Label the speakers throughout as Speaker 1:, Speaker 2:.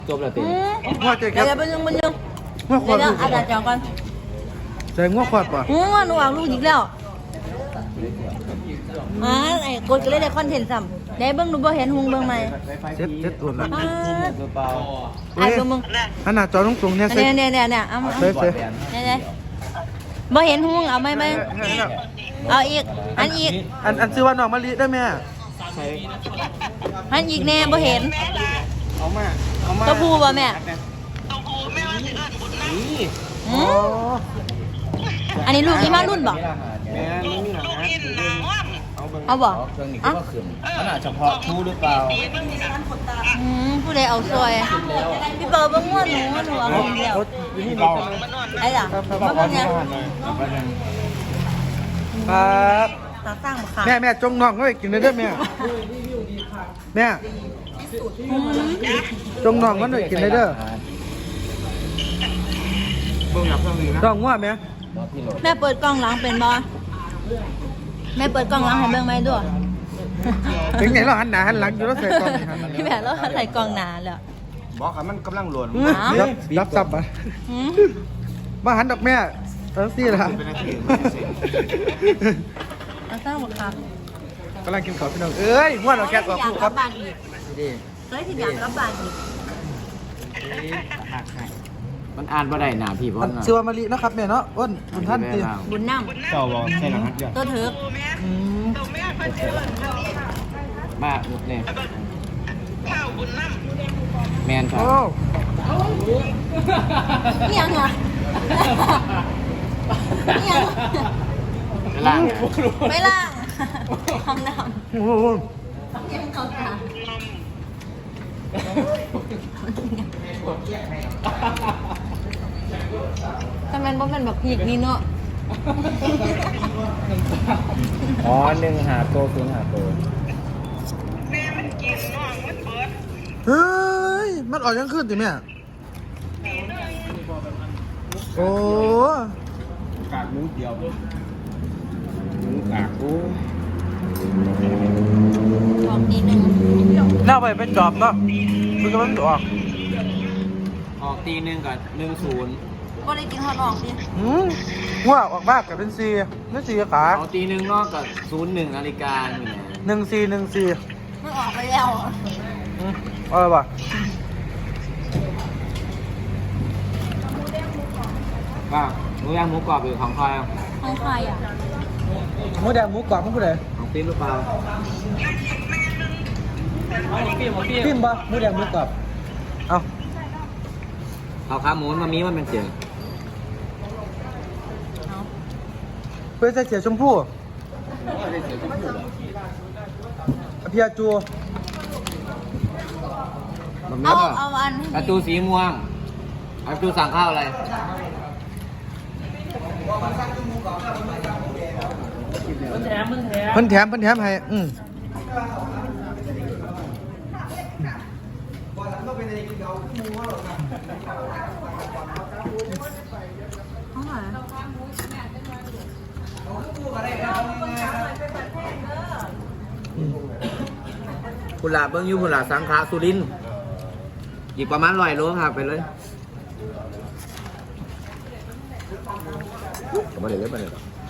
Speaker 1: จบแล้วเต็ม
Speaker 2: ง้อใจแค
Speaker 3: เดี๋
Speaker 2: บ
Speaker 3: ยวไปยังมันยัง
Speaker 2: ง้อขว
Speaker 3: เดี๋
Speaker 2: ด
Speaker 3: ยวอาจารย์จองก่อน
Speaker 2: ใจง้อขวดป่ะ
Speaker 3: หนูเอาลูกอีกแล้วไอ้กดก็เลยได้คอนเทนต์ซ้ำได้เบิ่งหนูบ่เห็นหุงเบิ่งไหม
Speaker 2: เซ็ตตัวละ
Speaker 1: เปล่า
Speaker 3: ไอ้เบิ่งมึง
Speaker 2: ขนาดจอตรงๆเนี่ยเซ็ต
Speaker 3: เนี่ยเอามา
Speaker 2: เซ็ต
Speaker 3: เนี่ยบ่เห็นหุงเอาไหมเอาอีกอันอีก
Speaker 2: อันซื้อว่าน้องมะลิได้ไหม
Speaker 1: ใช่
Speaker 3: อันอีกแน่บ่เห็น
Speaker 1: เอามา
Speaker 3: ตัวผู้บ่แม่
Speaker 1: นี่
Speaker 3: หืมอันนี้ลูกอีมารุ่นบ่
Speaker 1: แม่ไม่มีหลังนะเอาเบิ่ง
Speaker 3: เอาบ่
Speaker 1: เครื่องนี้ก็ว่าขึ้นขนาดเฉพาะทูหรือเปล่า
Speaker 3: ผู้ใดเอาซอยพี่เปิดเบิ่งม่วนหนูเอาลูกเดียว
Speaker 1: นี่เรา
Speaker 3: ไอ้ล่ะมาเบิ่งเนี่ย
Speaker 2: ครับ
Speaker 3: ตาสร้างบ่ค่ะ
Speaker 2: แม่จงน้องไว้กินได้ด้วยแม่แม่จงน้องมันไว้กินได้เด้อ
Speaker 1: เบิ่งหลับเครื่องนี้นะ
Speaker 2: น้องง้อแม่
Speaker 3: แม่เปิดกล้องหลังเป็นบ่แม่เปิดกล้องหลังให้เบิ่งไหมด้วย
Speaker 2: ถึงไหนเราหันหน้าหันหลังอยู่แล้วใส่กล่องนี่ครับ
Speaker 3: พี่แม่เราใส่กล้องหนาแล้ว
Speaker 1: บอกค่ะมันกำลังหล่น
Speaker 2: รับซับอ่ะ
Speaker 3: หืม
Speaker 2: มาหันดอกแม่สิล่ะ
Speaker 1: เป็นนาที
Speaker 3: ตาสร้างบ่ค่ะ
Speaker 2: กำลังกินข้าวพี่น้องเอ้ยม้วนเอาแก๊สออกลูกครับ
Speaker 3: บ้านอีก
Speaker 1: ดี
Speaker 3: เลยที่อยากกลับบ้านอีก
Speaker 1: มันอ่านบ่ได้หนาพี่เพราะ
Speaker 2: มันชื่อว่ามะลินะครับแม่เนาะอ้นคุณท่านตี
Speaker 3: บุญน้
Speaker 1: เจ้าบอกใช่หลังฮัทจ้ะ
Speaker 3: ำตัวเถิก
Speaker 1: มาเนี่ยแมนครั
Speaker 2: โอ้
Speaker 1: บ
Speaker 3: นี่ยังอ่ะนี่ยัง
Speaker 1: ล่าง
Speaker 3: ไม่ล่างห้องน้
Speaker 2: โห
Speaker 3: ำยังเขาตาทำไมบ่เป็นแบบพีกนี่เนาะ
Speaker 1: อ๋อ1หาโต0หาโต
Speaker 2: เฮ้ยมันออกยังขึ้นติแม่โอ้
Speaker 1: กากมูเดียวมูกากกู
Speaker 3: บอกทีหนึ่ง
Speaker 2: หน้าไปเป็นจอบเนาะมันก็มันออก
Speaker 1: ออกตี1กับ10
Speaker 3: ก็ได้กินฮอตออกดิ
Speaker 2: ว่าออกมากกับเป็นซีนั่นซีขา
Speaker 1: ออกตี1นอกกับ01นาฬิกานี่แหละ
Speaker 2: 1 4
Speaker 3: มันออกไปแล้ว
Speaker 2: อะไรวะ
Speaker 1: ว่าหมูย่างหมูกรอบหรือของใครอ่ะ
Speaker 3: ของใครอ่ะ
Speaker 2: หมูแดงหมูกรอบมันผู้ใด
Speaker 1: ของปิ๊มหรือเปล่า
Speaker 2: ปิ้มปะหมูแดงหมูกรอบเอา
Speaker 1: เอาขาหมูมามีมันเป็นเสียง
Speaker 2: เพื่อใส่เสียชมพู่เพียจู
Speaker 1: มัน
Speaker 3: เอา
Speaker 1: ก็
Speaker 3: เอาอัน
Speaker 1: อาตูสีม่วงอาตูสั่งข้าวอะไร
Speaker 2: เพิ่นแถมให้
Speaker 1: กุหลาบเบิ้งยูกุหลาบสังขาสุรินทร์อีกประมาณ100 โลครับไปเลยมาเลยมาเลย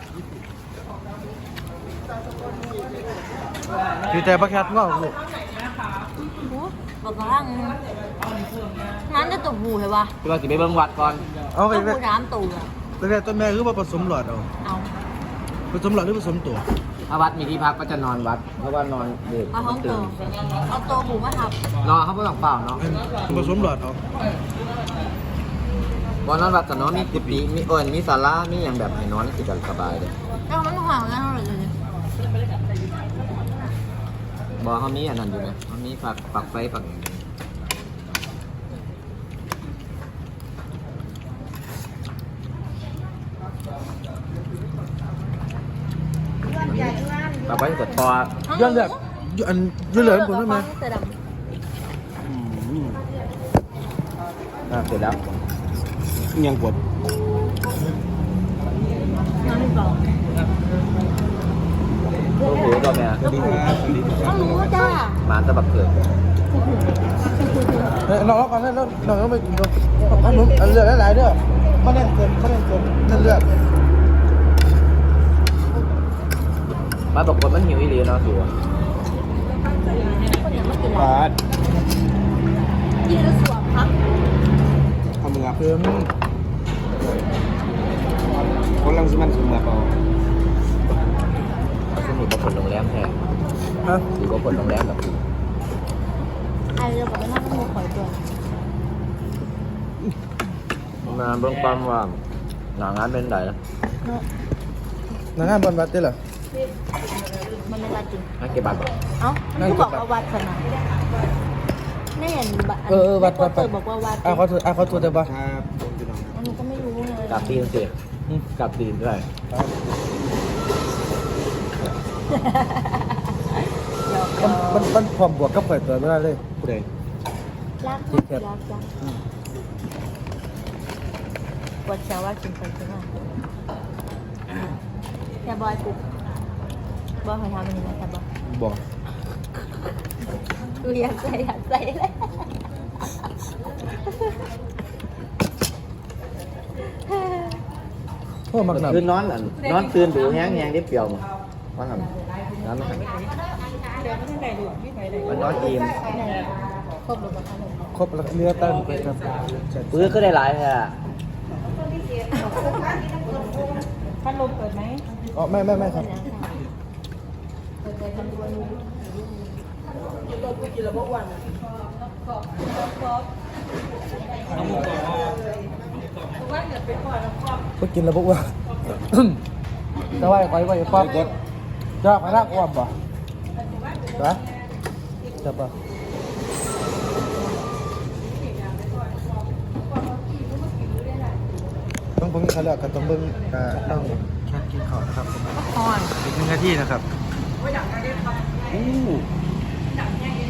Speaker 2: อยู่แต่ประแคทง้อลูก
Speaker 3: บอกกระทั่งนั้นจะตกหูเหรอวะ
Speaker 1: พี่ว่าสิไปเบิ้งวัดก่อน
Speaker 2: เอาไป
Speaker 3: ตก
Speaker 2: ไป
Speaker 3: หูน้ำตูอ่ะ
Speaker 2: ไปแต่ต้นแม่คือว่าผสมหลอดเอา
Speaker 3: เอา
Speaker 2: ผสมหลอดหรือผสมตัว
Speaker 1: ถ้าวัดมีที่พักก็จะนอนวัด เพราะว่านอนเด็ก
Speaker 3: เอาห้องโตเอาโตหูมาทับ
Speaker 1: นอนเขาไม่ต้องเปล่าเนาะ
Speaker 2: ผสมหลอดเอา
Speaker 1: บอนอนวัดกับนอนมีกุฏิมีมีศาลามีอย่างแบบให้นอนสิกันสบายเลย
Speaker 3: แล้วมันห่างแล้วเลย
Speaker 1: บอกเขามีอันนั้นอยู่ไหมเขามีฝักไฟฝักฝักไฟกดคอ
Speaker 2: ย้อนเลือดอันย้อนเลือดผมได้ไหม
Speaker 3: เสือดำ
Speaker 1: เสร็จแล้วยังกด
Speaker 3: น้ำมีเปล่า
Speaker 1: โอ้โหตัวแม่
Speaker 3: ข้าวหมูจ้า
Speaker 1: มาตะบักเกิด
Speaker 2: น้องก่อนแล้วน้องต้องไปกินด้วยขนมเลือดหลายๆเด้อไม่เล่นเกินเลือด
Speaker 1: มาบอกว่ามันหิวอีหลีเนาะสัว
Speaker 2: บาท
Speaker 3: กินแล้วสวมครับ
Speaker 2: ทำมือเพิ่มคนลังสิมันคือมาเปล่า
Speaker 1: สนิทกับคนโรงแรมแท้
Speaker 2: ฮะ
Speaker 1: หรือว่าคนโรงแรมแบบ
Speaker 3: ไอ้เรื่องแบบนั้นก็มูข่อยตัว
Speaker 1: มาเบื้องต้นว่าหนางานเป็นไงนะ
Speaker 3: เนาะ
Speaker 2: นางงานบอลบัตรได้เหรอ
Speaker 3: มันไม่รัดจริง
Speaker 1: นักเก็บบัตรบ่
Speaker 3: เอ้ามันก็บอกว่าวัดสนะแน่เห็นบัตร
Speaker 2: วัด
Speaker 3: เตอร์บอกว่าวัด
Speaker 2: เขาถูกได้ปะครับ
Speaker 3: อันนี้ก็ไม่รู้เลย
Speaker 1: กลับตีนสิกลับตีนด้วย
Speaker 2: มันพร้อมบวกกับข่อยตัวไม่ได้เลยผู้ใด
Speaker 3: รักปวดเช้าว่ากินไปกินมาแต่บอยปุ๊บบอยเคยทำอันนี้ไหมแต่บอย
Speaker 2: บอก
Speaker 3: ดูอยากใส่เลย
Speaker 2: พวกมักหนัก
Speaker 1: คือนอนนอนตื่นดูแห้งได้เปรียวมั้งว่าทำนอนไม่ทำมันนอนอิ่ม
Speaker 3: ครบหรือเปล่า
Speaker 2: ครบแล้วเนื้อตั้งไปครับ
Speaker 1: ปื้อก็ได้หลายแท้
Speaker 3: พัดลมเปิดไหม
Speaker 2: อ๋อไม่ครับ
Speaker 3: เปิดเลยทำด้วย
Speaker 2: ก็กินแล้วพวกว่า จะไหวไว้ป๊อปจะไปรักอ้อมป่ะนะจะป่ะต้องเบิ่งเขาเลือกกันต้องเบิ่งต้องแค่กินข้าวนะครับ
Speaker 3: อ่อน
Speaker 2: อีก1 นาทีนะครับ
Speaker 1: อู้